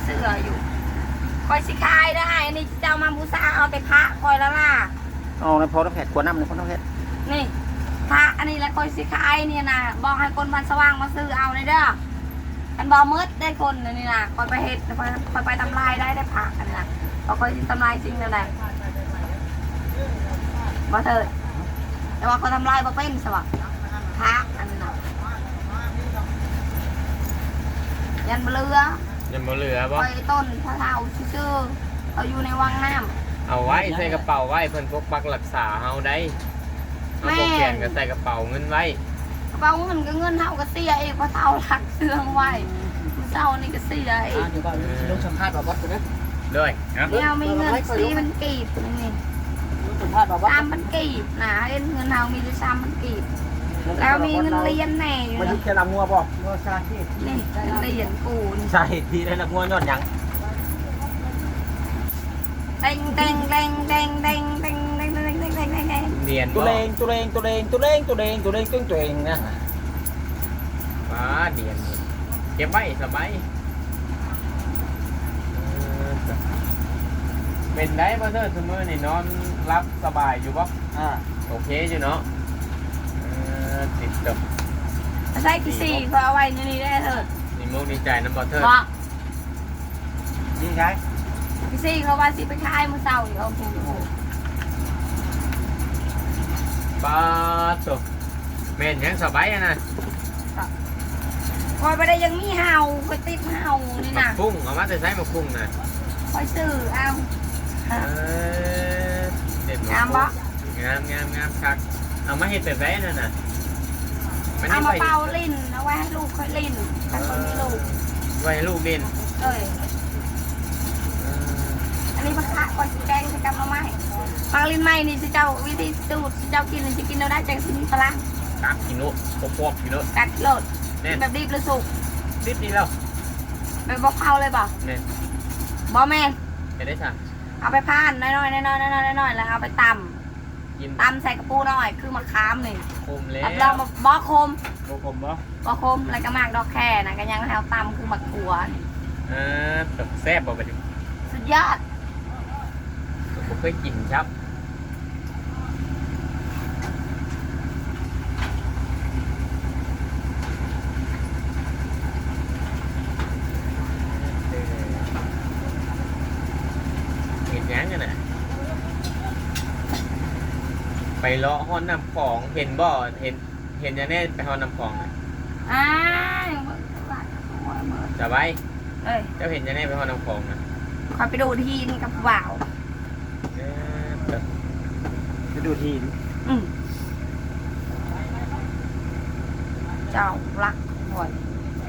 สื้ออยู่คอยสิคายได้อันนี้เจ้ามาบูชาเอาแต่พระคอยละล่ะเอาในพอน้ำแผดขวดน้ำในพอน้ำแผดนี่พระอันนี้แหละคอยสิคายเนี่ยนะบอกให้คนมันสว่างมาซื้อเอาในเด้อกันบอมืดได้คนนี่นะคอยไปเฮ็ดคอยไปทำลายได้พระอันนี้นะเราคอยทำลายจริงนั่นแหละบ่เถิดแต่ว่าเขาทำลายบ่เป็นสวะพระอันนั้นนะยันเรือยังบ่เหลือบ่คอยต้นพระเท้าชื่อเขาอยู่ในวังน้ำเอาไว้ใส่กระเป๋าไว้เพิ่นพกปักรักษาเฮาได้เอาพกแขนก็ใส่กระเป๋าเงินไว้กระเป๋าเงินก็เงินเท่าก็เสียเองพระเท้าหลักเสื่องไว้เจ้านี่ก็เสียเองเดี๋ยวก่อนลงสัมภาษณ์บอกวัดกันนะด้วยครับเนี่ยมีเงิน4,000 กีบนี่3,000 กีบนะเงินเท่ามีแต่3,000 กีบแล้วมีเงินเรียนแน่อยู่มานะยุคแค่ลำงัวบอกงัวซาที่นี่เรียนกูนี่ใช่ที่ได้ลำงัวยอดยังเต็งเต็งเต็งเต็งเต็งเต็งเต็งเต็งเต็งเต็งเต็งเต็งเรียนตัวเองนะป้าเรียนเก็บไว้สบายเป็นได้บ่เด้อซุมื้อนี่นอนรับสบายอยู่บ่โอเคอยู่เนาะติดกับใส่ที่4เขาเอาไว้นี่ได้เถิดนี่มุกดีใจน้ำบ่เถิดนี่ใช่ที่4เขาว่าสิไปขายมื้อเช้าอยู่เอาถูกป้าโตแม่นยังสบายนะคอยไปได้ยังมีเห่าคอยติดเห่านี่นะพุ่งเอามาแต่ใช้มาพุ่งนะคอยซื้อเอาเด็ดงามปะงามคักเอามาเห็ดแต่แว่นั่นน่ะเอามาเป่าลิ้นเอาไว้ให้ลูกค่อยลิ้นถ้าคนมีลูกไว้ให้ลูกลิ้นอันนี้มะขะคอยสีแดงจะกำมาไหมปลาลิ้นไหมนี่สิเจ้าวิธีสูตรสิเจ้ากินจะกินเราได้จังสิมีพลังกัดกินโลพวกกินโลกัดโลดแบบดิบหรือสุกดิบนี่แล้วแบบบอกเผาเลยป่ะเนี่ยบอแมนจะได้สั่งเอาไปพานน้อยแล้วเอาไปตำใส่กระปูหน่อยคือมะขามนี่คมแล้วรับรองบอคมบ่คมอะไรก็มากดอกแค่นะก็ยังแถวตำคือมะกรัวแบบแซ่บบ่ไปดิสุดยอดผมเคยกินครับเห็นยังกันนะไปเลาะห้อนน้ำของเห็นบ่เห็นยังแน่ไปห้อนน้ำของนะจะไปเจ้าเห็นยังแน่ไปห้อนน้ำของนะคอยไปดูทีนกับบ่าวไปดูทีนเจ้ารักบ่อย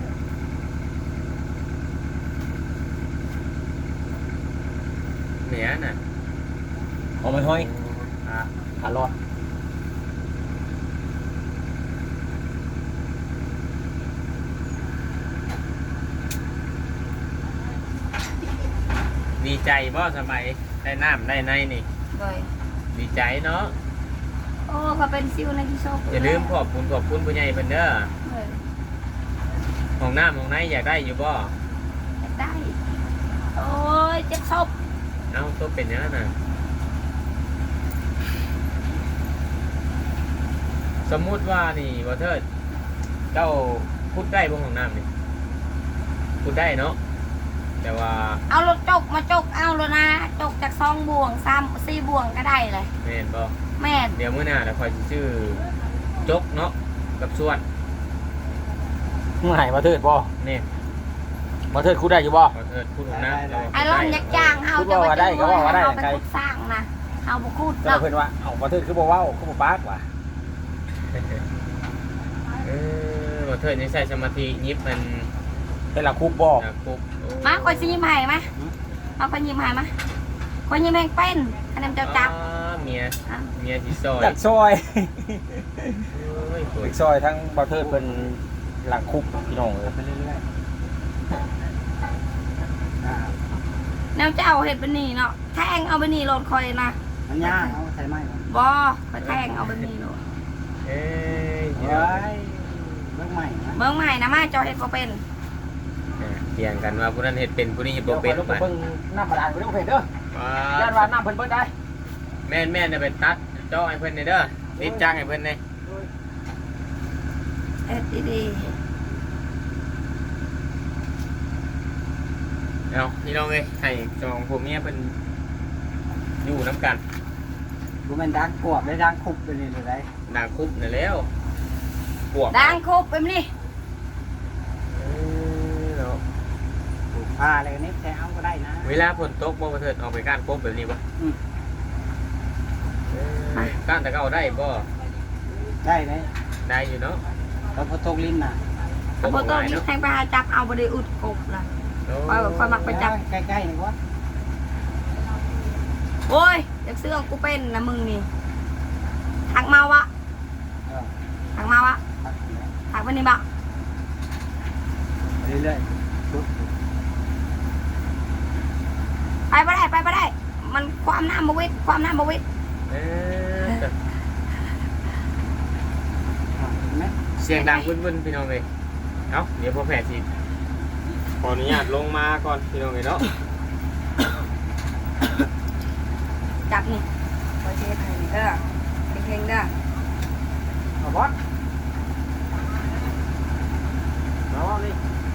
เหนียน่ะเอาไม่ห้อยอร่อยดีใจบ่สมัยได้น้ำได้ในนี่ดีใจเนาะโอ้ก็เป็นซิวในที่โชคอย่าลืมขอบคุณผู้ใหญ่เพิ่นเด้อห้องน้ำห้องในอยากได้อยู่บ่อยากได้โอ้ยเจ็บศพเอาตัวเป็นยังไงน่ะสมมุติว่านี่บ่เถิดเจ้าพูดได้บ่ห้องน้ำนี่พูดได้เนาะแต่ว่าเอารถจกมาจกเอาแล้วนะจกจาก2 บ่วง3 4 บ่วงก็ได้เลยแม่นบ่แม่นเดี๋ยวมื้อหน้าเราคอยชื่อจกเนาะกับส่วนไหนมาเถิดบ่นี่มาเถิดคูได้อยู่บ่มาเถิดคูดนะไอ้ร้อนยักจ้างเฮาจะมาได้ก็ว่าได้ใครสร้างนะเฮาบ่คูดเนาะเพิ่นว่าเอามาเถิดคือบ่เว้าคือบ่ปากว่ะมาเถิดนี่ใส่สมาธิยิบมันเป็นหลักคุบบ่คุบมาคอยสิยิ้มให้มั้ยมาคอยยิ้มให้มั้ยคอยยิ้มแม่งเป็นอันนั้นเจ้าจับเมียสิซอยอยากซอยซอยทั้งบ่เถิดเพิ่นหลักคุบพี่น้องไปเรื่อยแนวเจ้าเห็ดเป็นนี่เนาะแทงเอาเป็นนี่โหลดคอยนะมันยากเอาใส่ไม้บ่ไปแทงเอาเป็นนี่โหลดเฮ้ยเบิ้งใหม่นะมาเจ้าเห็ดก็เป็นทีถียงกันว่าผู้นั้นเฮ็ดเป็นผู้นี้เฮ็ดเดี๋บ่ยวเป็นไปไปเบิ่งน้ำบาดาลไปเด้อเพิ่นเด้อญาติว่าน้ำเพิ่นเบิดได้แม่นเนี่ยไปตัดเจาะให้เพิ่นเด้อติดจ้างให้เพิ่นเด้เอ็ดดีเอาพี่น้องเอ้ยให้สองผัวเมียเพิ่นอยู่นํกันกูแม่นดังกวบได้ดังคุบไปนี่เลยได้ดังคุบนั่นแล้วปวกๆดังครบไปมั้ยนี่เนาะปลูกผ้าอะไรกันนี่แต่เอาก็ได้นะเวลาฝนตกบ่เถิดออกไปก้านกบแบบนี้บ่อืมก้านแต่ก็เอาได้บ่ได้เลยได้อยู่เนาะแล้วพอตกลิ้นน่ะเอาพอตัวนี้แทงไปหาจับเอาบ่ได้อุดกบล่ะ ค่อยมักไปจับใกล้ๆนี่วะโอ้ยอยากซื้อของกูเป็นนะมึงนี่ทักมาวะเออทักมาวะครับทักไปนี่บ่เรื่อยๆชุดไปบ่ได้ไปบ่ได้ มันความน้ำบ่วิดความน้ำบ่วิดเออเห็นไหมเสียงดังวุ่นๆพี่น้องเอ้ยเอ้าเดี๋ยวพ่อแพทย์สิขออนุญาตลงมาก่อนพี่น้องเอ้ยเนาะจับนี่โอเคไปนี่เด้อเก่งๆเด้อเอาบอสเอานี่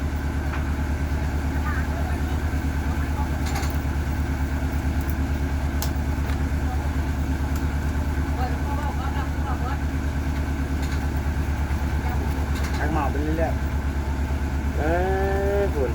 ทางหมอไปเรื่อยคุณ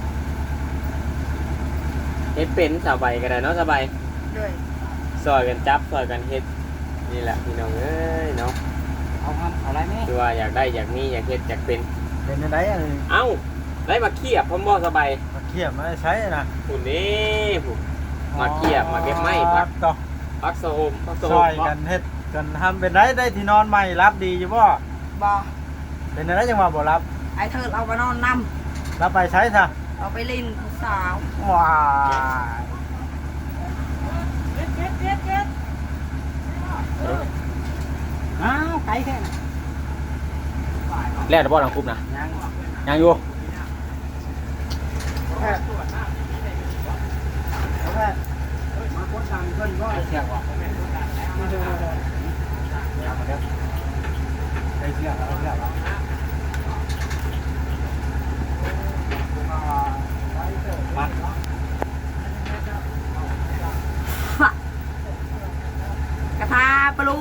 เฮ็ดเป็นสบายก็ได้เนาะสบายด้วยซอยกันจับซอยกันเฮ็ดนี่แหละพี่น้องเอ้ยเนาะๆเอาครับเอาอะไรไหมคือว่าอยากได้อยากมีอยากเฮ็ดอยากเป็นเป็นอะไรอ่ะเอ้าได้มาเคียบพร้อมบ่สบายมาเขียบมาใช้นะคุณนี่ผมมาเคียบมาเก็บไม้พักต่อพักโซมพักโซซมอยกันเฮ็ดกันทำเป็นไรได้ที่นอนใหม่รับดีอยู่บ่บ่เป็นอะไรจังหวะบ่รับไอ้เธอเอาไปนอนนรับไปใช้ซะำเอาไปลินผู้สาวว้ายอ้าวไกลแค่ไหนแล้วบ่หลังคุบนะยังยังอยู่แค่แค่มาคนทำเพิ่นก็เสียกว่าได้เสียกเอาเสียกเอามากระทาปลู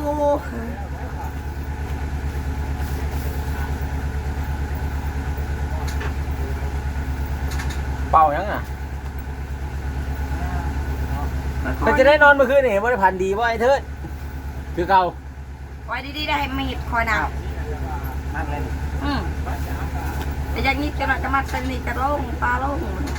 เป่ายังอ่ะมันจะได้นอนเมื่อคืนนี่บ่ได้พันดีบ่ไอ้เถิดคือเก่าไว้ดีๆได้ให้มีดคอยนมากเลยำแต่อย่างนี้จะมาจะมาสนิทจะโล่งตาโล่ง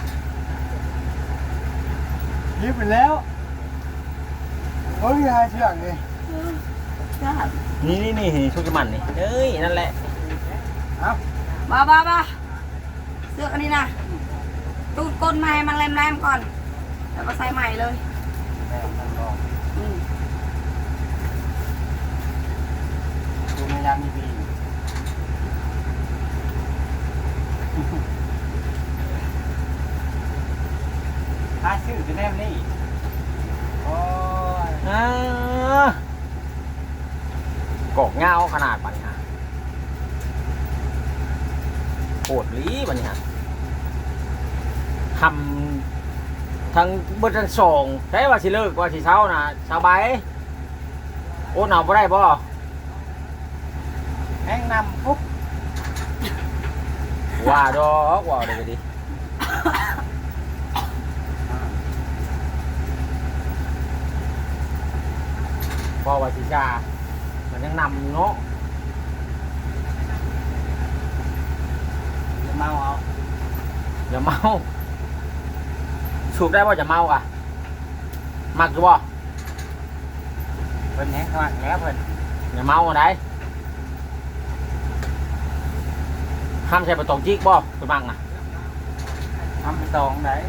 ยิบไปแล้วโอ้ยหายเชือกเลยจ้านี่ชุกมันนี่เอ้ยนั่นแหละเอ้าบ้าเสื้ออันนี้นะตูดก้นมาให้มันแรมๆก่อน แล้วก็ใส่ใหม่เลยแม่มันบอกอืมดูในยามมีบีถ้าชื่อจะแนมนี่โอ้ยกอกเงาขนาดปันฮะโหดลีปันฮะทำทั้งเบดทั้งสองใช้ว่าสิเลิกว่าสิเช้านะสบายโอ้หนาวบ่ได้บ่แห้งนำปุ๊บว่าดอกว่าเดี๋ยวดิพอว่าสิชามันยังนำอยู่เนาะจะเมาเอาอย่าเมาสูบได้บ่จะเมาอ่ะมักอยู่บ่เพิ่นแห้งมากแล้วเพิ่นอย่าเมาอะไรห้ามใช้ประตองจิกบ่คุณมังนะทำไปตองไหน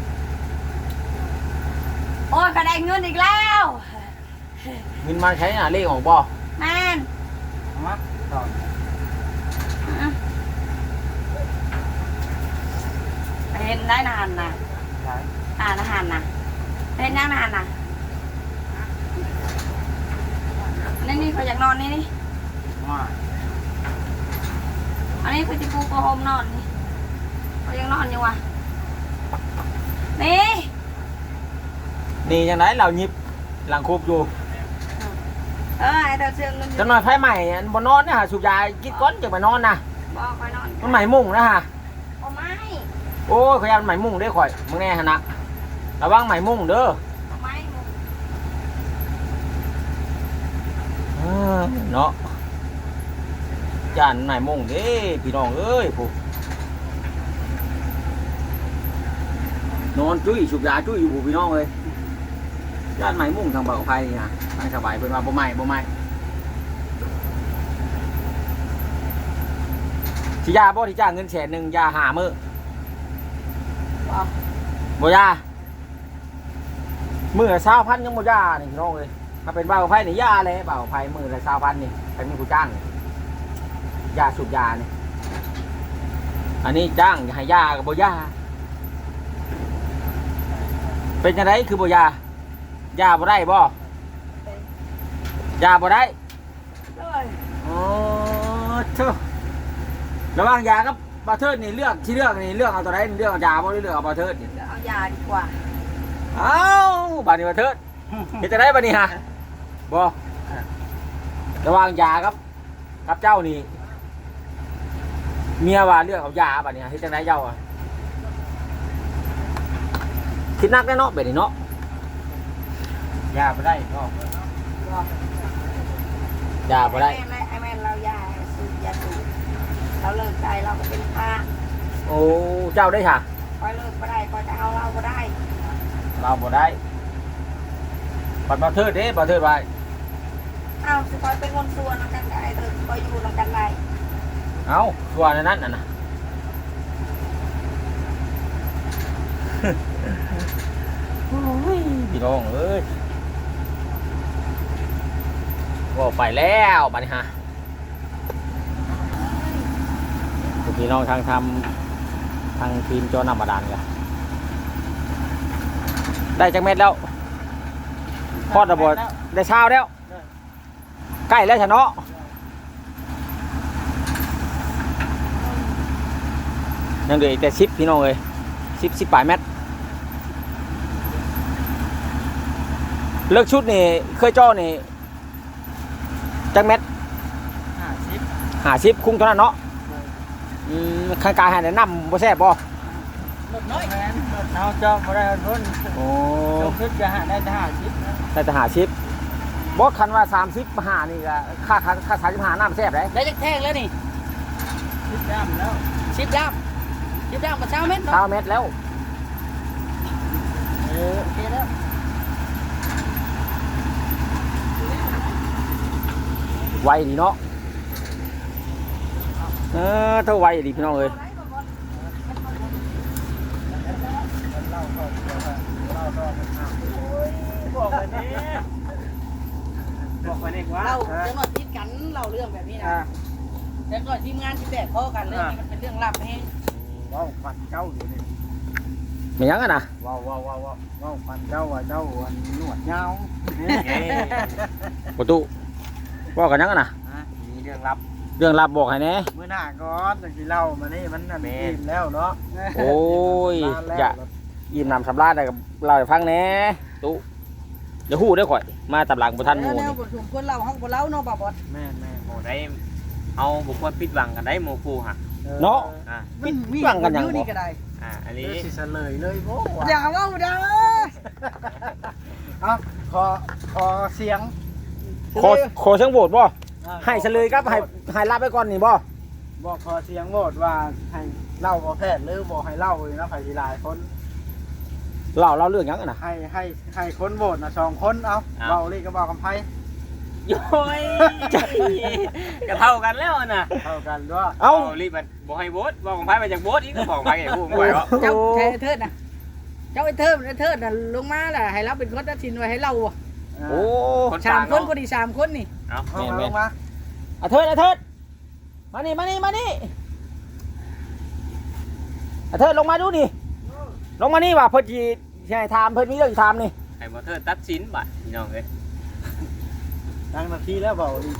โอ้ยกระไดเงินอีกแล้วมินมาใช้น่ะเลขของบ่แม่นมาตองไปเห็นได้นานนะไหนอาหารนะเห็นยังนานนะนี่เขาอยากนอนนี่ว่าอันนี้คือจิปูโกโฮมนอนนี่เขายังนอนอยู่วะนี่นี่จังไดเราหยิบหลังคูบอยู่ไอ้เธอเชื่อเงินจังหน่อยไผใหม่อันบ่นอนนะฮะสูบยากินก้อนจังมานอนนะบอกไปนอนมันใหม่มุ่งนะฮะโอ้ไม่โอ้ยขยันใหม่มุ่งเด้อข่อยมึงแน่หั่นน่ะระวังใหม่มุ่งเด้อไม่เนาะย่านใหม่มุ่งเด้พี่น้องเอ้ยผู้นอนจุ้ยสูบยาจุ้ยอยู่ผู้พี่น้องเอ้ยย่านใหม่มุ่งทางเบาไฟนี่นะทางสบายเพิ่นว่าบ่ใหม่สิยาบ่ที่จ้างเงินแสนหนึงยาหามื้อบอกบ่ยามื้อละ20,000ยังบ่ยานี่พี่น้องเอ้ยถ้าเป็นเบาไฟนี่ยาเลยเบาไฟมื้อละ20,000นี่ใครมีผู้จ้างนี่ยาสูบยานี่อันนี้จ้างให้ยาก็บ่ยาเป็นจังไดคือบ่ยายาบ่ได้บ่ยาบ่ได้เลยอ๋อเท่าระหว่างยากับบาเทิร์ดนี่เลือกที่เลือกนี่เลือกเอาตัวไหนเลือกเอายาบ่หรือเลือกเอาบาเทิร์ดนี่เอายาดีกว่าเอ้าบาดนี้บาเทิร์ดเฮ็ดจังได๋บัดนี้ฮะบ่ระหว่างยากับเจ้านี่เมียว่าเลือกเอายาบัดนี้เฮ็ดจังได๋เจ้าอ่ะคิดหนักแน่เนาะแบบนี้เนาะยาไปได้ก็บอกยาบ่ได้ไอ้แม่เรายาสูบยาสูบเราเลิกใจเราก็เป็นพระโอ้เจ้าได้ค่ะคอยเลิกก็ได้คอยจะเอาเราก็ได้เราบ่ได้บัดบาเทิร์ดเด้บาเทิร์ดว่าเอาสิคอยเป็นคนส่วนน้ำกันได้เธอคอยอยู่น้ำกันได้เอ้าตัวนั้นน่ะนะ โอ้ยพี่น้องเอ้ยก็ไปแล้วบัดนี้ฮะพี่น้องทางทีมโจนำมาดานกันได้จักเม็ดแล้วพอดระเบิดได้เช้าแล้วใกล้แล้วชะเนาะยังเหลืออีกแต่10พี่น้องเอ้ย10ปลายเม็ดเลิกชุดนี่เคยจ้อนี่จักเม็ด50คุ้งเท่านั้นเนาะข้างกายหาแนะนำบ่แซ่บบ่รถน้อยเอาเจ้าบ่ได้รุ่นโอ้จงคิดจะหาได้50นะได้แต่50บ่คันว่า30มาหานี่ก็ค่า35น้ำแซ่บได้ได้จักแท่งแล้วนี่คิดย่ำแล้ว 10 ด้ามกับเช้าเม็ดเช้าเนาะเม็ดแล้วโอเคแล้วไวดีเนาะเท่าไวดีพี่น้องเอ้ยบอกไปนี่บอกไปนี่ว่าเราจะมาติดกันเราเรื่องแบบนี้นะแต่ก่อนทีมงานที่แตกพ่อกันเรื่องนี้มันเป็นเรื่องลับให้ว้าวฟันเจ้าอยู่นี่ไม่ยังอ่ะนะว้าวฟันเจ้าว่าเจ้าวันหนวดยาวประตูบอกกันยังอ่ะนะมีเรื่องลับเรื่องลับบอกให้แน่เมื่อหน้าก่อนจังสิเล่ามานี่มันนั่นอิ่มแล้วเนาะโอ้ยอย่ายิ้มนำสำราญได้กับเราให้ฟังแน่ตู้อย่าหู้ได้อข่อย มาตับหลังบ่ทันหมู่แนวนี่บทสมควรเราห้องบ่เล่าเนาะบ่บอดแม่โอ้ได้เอาบุคคลปิดหวังกันได้โมกูฮะเนาะอ่าปิดหวังกันยังบ่นี่ก็ได้อันนี่นี้สิเฉลยเลยโว้อย่าเว้าเด้อเอาขอเสียงขอเชิงโหวตบ่ให้เฉลยครับให้รับไปก่อนนี่บ่บอกขอเสียงโหวตว่าให้เล่าบ่แพทย์หรือบ่ให้เล่าเลยนะไผสิหลายคนเล่าเรื่องยังอ่ะนะให้คนโหวตนะ2คนเอาเบาลีก็บอกกับไผโย้ยจะเท่ากันแล้วน่ะเท่ากันด้วยเอ้ารีบมาบอกให้โบสบอกของไพ่มาจากโบสอีกก็บอกไพ่ไอ้ผู้ไหววะเจ้าเทิดน่ะเจ้าไอ้เทิดน่ะลงมาล่ะให้เราเป็นคนตัดสินไว้ให้เราอ่ะโอ้ 3คนก็ดี3คนนี่เอาเอาลงมาอาเทิดมานี่อาเทิดลงมาดูนี่ลงมานี่ว่าเพิ่นสิให้ถามเพิ่นมีเรื่องสิถามนี่ให้บ่เทิดตัดสินบัดพี่น้องเอ้ยนั่งนาทีแล้วเบาดิ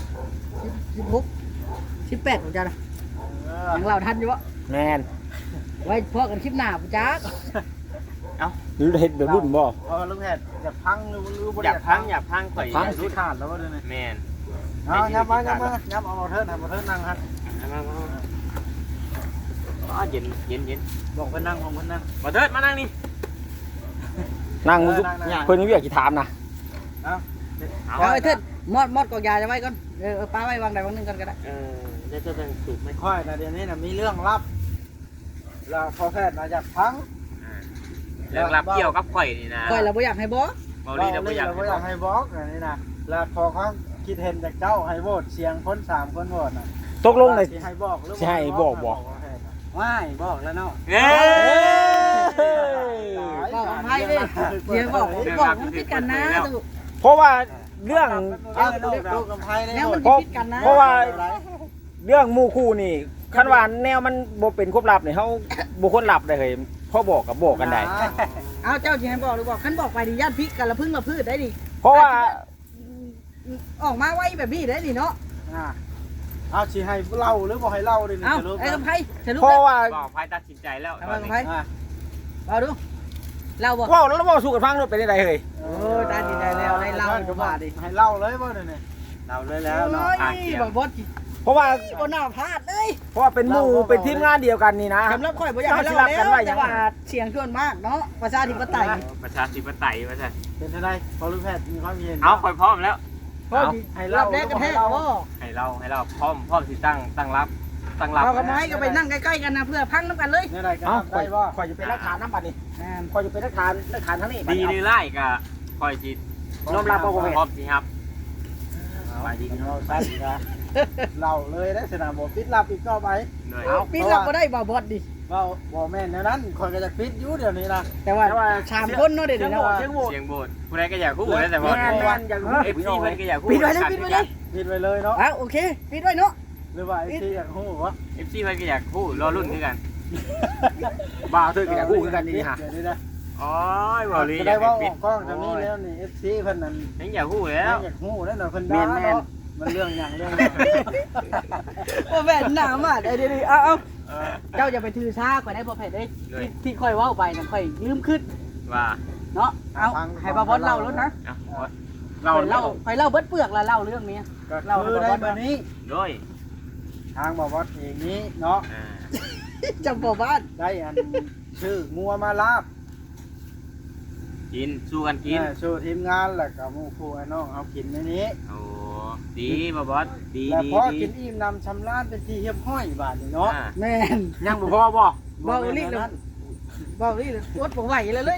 16 18ของจ้านะยังเราทันอยู่วะแม่นไว้พอกันคลิปหน้าปุจ้าหรือเฮ็ดแบบรุ่นบ่ลุงแพทย์อยากพังหรือบ่อยากพังข่อยพังสุดขาดแล้วว่าเด้อนี่แม่นเอายับมาเอาเทิร์นนั่งฮะมาอ๋อเย็นบอกเพิ่นนั่งของเพิ่นนั่งบ่เทิดมานั่งนี่นั่งมึงนั่งเพิ่นมีเวียกสิถามนะเอาไอ้เถิดมอดกอกยาจะไว้ก่อนป้าไว้วางใดวางหนึงกันก็ได้แล้วจะเป็นสูบไหมค่อยนะเดี๋ยวนี้น่ะมีเรื่องลับแล้วพอแพทย์น่ะอยากพังเรื่องรับเกี่ยวกับข่อยนี่นะค่อยเราบ่อยากให้บ่เบาลีเราบ่อยากบ่อยากให้บอกอันนี้นะแล้วพอเขาคิดเห็นจากเจ้าให้โหวตเสียงคน3คนโหวตน่ะตกลงเลยสิให้บอกหรือสิให้บอกบ่ไม่บอกแล้วเนาะเอ้ยบอกกับไพ่ดิเดี๋ยวบอกมันผิดกันนะดูเพราะว่าเรื่องเอาลูกกับไพ่ได้แล้วหมมัดนผิดกันนะเพราะว่า เรื่องหมู่คู่นี่คันว่าแนวมันบ่เป็นควบลับนี่เฮาบ่ควรลับได้เฮ้ยพอบอกกับบอกกันได้เอาเจ้าสิให้บอกหรือบอกคันบอกไปดิญาติพิษกันละพึ่งละพืชได้ดิเพราะว่าออกมาไว้แบบนี้ได้ดิเนาะเอาสิให้เล่าหรือบ่ให้เล่าดิเอาไอ้กับไพ่สรุปเพราะว่าบอกไพ่ตัดสินใจแล้วทำไมกับไพ่เอาดูเราบอกเว้าแล้วเราสู้กันฟังด้วยเป็นได้เฮ้ยโอ้ตาดีใจแล้วได้เล่าก็ว่าดิให้เล่าเลยบ่เนี่ยเล่าเลยแล้วเนาะบอกบอสเพราะว่าบ่น่าพลาดเลยเพราะว่าเป็นหมู่เป็นทีมงานเดียวกันนี่นะสำหรับข่อยบ่อยากให้เล่าแล้วแต่ว่าเสียงชวนมากเนาะประชาธิปไตยประชาธิปไตยว่าใช่เป็นเท่าไรพอรู้แพทย์มีความเห็นเอาข่อยพร้อมแล้วให้รเล่าอบแรกกระแทกบ่ให้เราพร้อมสิตั้งรับเรากับไม้ก็ไปนั่งใกล้ๆกันนะเพื่อพังน้ำกันเลยเนี่ยอะไรกันเอ้าได้บ่ข่อยจะเป็นหลักฐานนำบัดนี้ข่อยจะเป็นหลักฐานทั้งนี้ดีหรือไล่ก็ข่อยสิยอมรับบ่บ่แม่พร้อมสิครับไปดีเราสั้นนะเล่าเลยได้สนามบ่ปิดลับอีกต่อไปเหนื่อยปีนเราบ่ได้บ่บอสดิว่าบ่แม่นแนวนั้นคนก็จะปิดอยู่เดี๋ยวนี้นะแต่ว่าชามคนเนาะเดี๋ยวนี้เสียงโหวตเสียงโบสผู้ใดก็อยากคู่นะแต่ว่าแม่นอย่างเอฟซีเพิ่นก็อยากคู่ปิดไว้เลยปิดไว้เลยปิดไว้เลยเนาะอ้าวโอเคปิดไว้เนาะหรือว่าไอ้ที่อยากฮู้วะเอฟซีเพิ่นก็อยากคู่รอรุ่นคือกันบ่าวเธอกับคู่กันนี่ฮะเดี๋ยวนี้นะอ๋อบ่ลีจะได้ว่าออกกล้องทางนี้แล้วนี่ FC เพิ่นนั่นยังอยากคู่แล้วอยากฮู้แล้วเนาะเพิ่นด่าเนาะมันเรื่องหยังเรื่องบ่แม่นหน้ามาเดี๋ยวๆเอาเจ้าอย่าไปถือซาข่อยได้บ่แพ้เด้ที่ค่อยเว้าไปน่ะค่อยยืมขึ้นว่าเนาะเอาให้บ่บอสเล่าแล้วนะเราข่อยเล่าเบิดเปลือกแล้วเล่าเรื่องนี้ก็คือได้มานี้ด้วยทางบอกว่าเองนี้เนาะจำบ่บ้านได้อันชื่องัวมาลาบกินสู้กันกินชื่อทีมงานแล้วก็หมู่คู่ไอ้น้องเอากินในนี้โอ้ดีบ่บอสดีแล้วดีพอดีกินอิ่มนำชำนาญเป็นที่เฮียบห้อยบาทนี่เนาะแม่นยังบ่พอบ่เว้าลีเลยเว้าลีเลยอดบ่ไหวเลย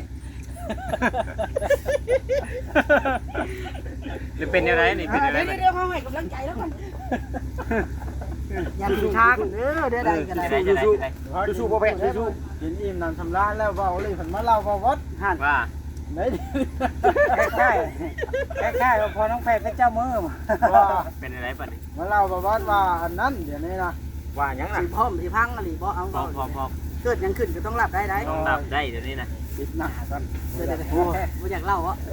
หรือเป็นยังไงนี่เป็นยังไงเดี๋ยวเฮาให้กำลังใจแล้วกันอย่าถือทางเด้อเด้อใดก็ได้สู้บ่แพ้สู้กินอิ่มนำชำนาญแล้วเว้าเลยเพิ่นมาเล่าว่าวัดว่าไหนใกล้ๆว่าพอน้องแพทย์เป็นเจ้ามือว่าเป็นยังไงปัดนี้มาเล่าว่าวัดว่าอันนั้นเดี๋ยวนี้นะว่าหยังน่ะสิพร้อมสิพังอะไรบ่เอาพร้อมเกิดหยังขึ้นก็ต้องรับได้ได้ต้องดับได้เดี๋ยวนี้นะปิดหน้ากันเดี๋ยวบ่อยากเล่าอ่ะ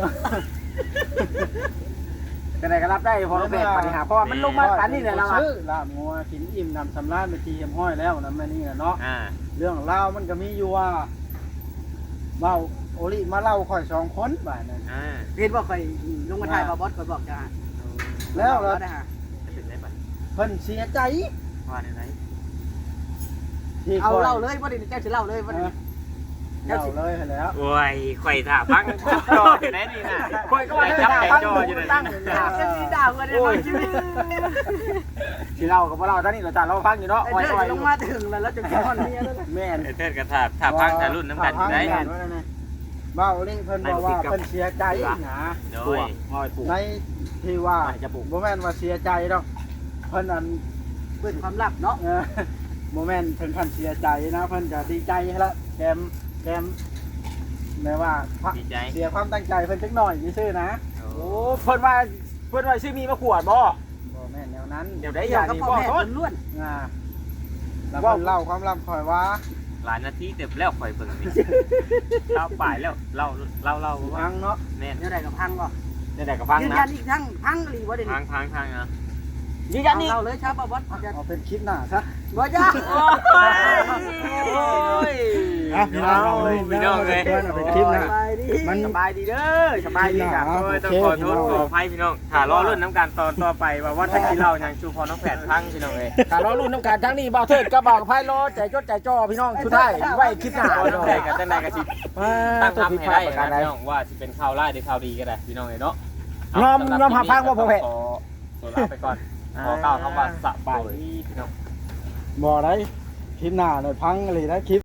จังได๋ก็รับได้พอเราแบกปัญหาเพราะว่ามันลงมาปานนี้แหละเราอ่ะชื่อลาบงัวกินอิ่มนำชำนาญเป็นที่เฮียบห้อยแล้วนะแม่นี่นะเนาะ เรื่องเล่ามันก็มีอยู่ว่าเมาโอลิมาเล่าค่อย2คนบ่ายนั้นเห็นว่าข่อยลงมาถ่ายบ่บอสข่อยบอกจ้าแล้วล่ะได้ฮะเป็นไรปัดเพิ่นเสียใจว่าในไหนที่เอาค่อยเล่าเลยบ่ได้เจ้าสิเล่าเลยบ่ได้เล่าเลยให้แล้วโอ้ยไข่ถ่าพังจออยู่ไหนนี่นะข่อยก็ว่าจับจะแต่ตั้งจออยู่ไหนตั้งนะจะมีด่ากันได้บ่ชีวิตสิเล่ากับบ่เล่าตอนนี้เราจะเราฟังอยู่เนาะไอ้เด้อลงมาถึงแล้วจะกินฮอนเมียแล้วแม่นเทิดกระถาถ่าพังถ่ารุ่นน้ำกันอยู่ไหนเว้าลิเพิ่นบอกว่าเพิ่นเสียใจนะโดตัวย งอยปลูกในที่ว่าจะปลูกบ่แม่นว่าเสียใจดอกเพิ่นอันเปิดความลับเนาะบ่แม่นถึงขั้นเสียใจนะเพิ่นก็ดีใจให้ละแกมแม้ว่าดีใจเสียความตั้งใจเพิ่นจักหน่อยซื่อๆนะโอ้เพิ่นว่าชื่อมีมาขวดบ่บ่แม่นแนวนั้นเดี๋ยวได้อเกี่ยย่าวกับนี้พ่อบ่แม่โทษล้วนแล้วเพิ่นเล่าความลับข่อยว่าหลายนาทีเต็มแล้วข่อยเบิ่งนี่เราป่ายแล้วเราว่าพังเนาะแม่นเดี๋ยวใดก็พังบ่นี่แต่ก็ฟังยืนนะยันอีกทั้งพังหรือบ่เดี๋ยวทานี้งนะยืนยันนี่เราเลยชาวบ้านเอาเป็นคลิปหน้าซะบ่จ้าโอ้ยพี่น้องเอาเลยพี่น้องเลยเอาเป็นคลิปหน้าไปดิมันสบายดีเด้อสบายดีครับโอ้ยต้องขอโทษขออภัยพี่น้องถ้ารอรุ่นน้ำการต่อไปว่าถ้ากินเหล้ายังชูพอน้องแผดพังพี่น้องเลยการรอรุ่นน้ำการทั้งนี้บ่าวเทิดกับบ่าวไพ่รอใจจดใจจ่อพี่น้องชุดไทยไว้คลิปหน้าพอพี่น้น้ออง งแผดกับตั้งนายกับชิตั้ตั้งงทำทำให้ให้ได้ได้ประการใดนะพี่น้องว่าจะเป็นข่าวร้ายหรือข่าวดีก็ได้พี่น้องเลยเนาะน้อมหาพังบ่พ่อแพทย์ขอตัวลาไปก่อนขอก้าวคำว่าสบายดีพี่น้องบ่ได้คลิปหน้าเลยพังอะไรได้คลิป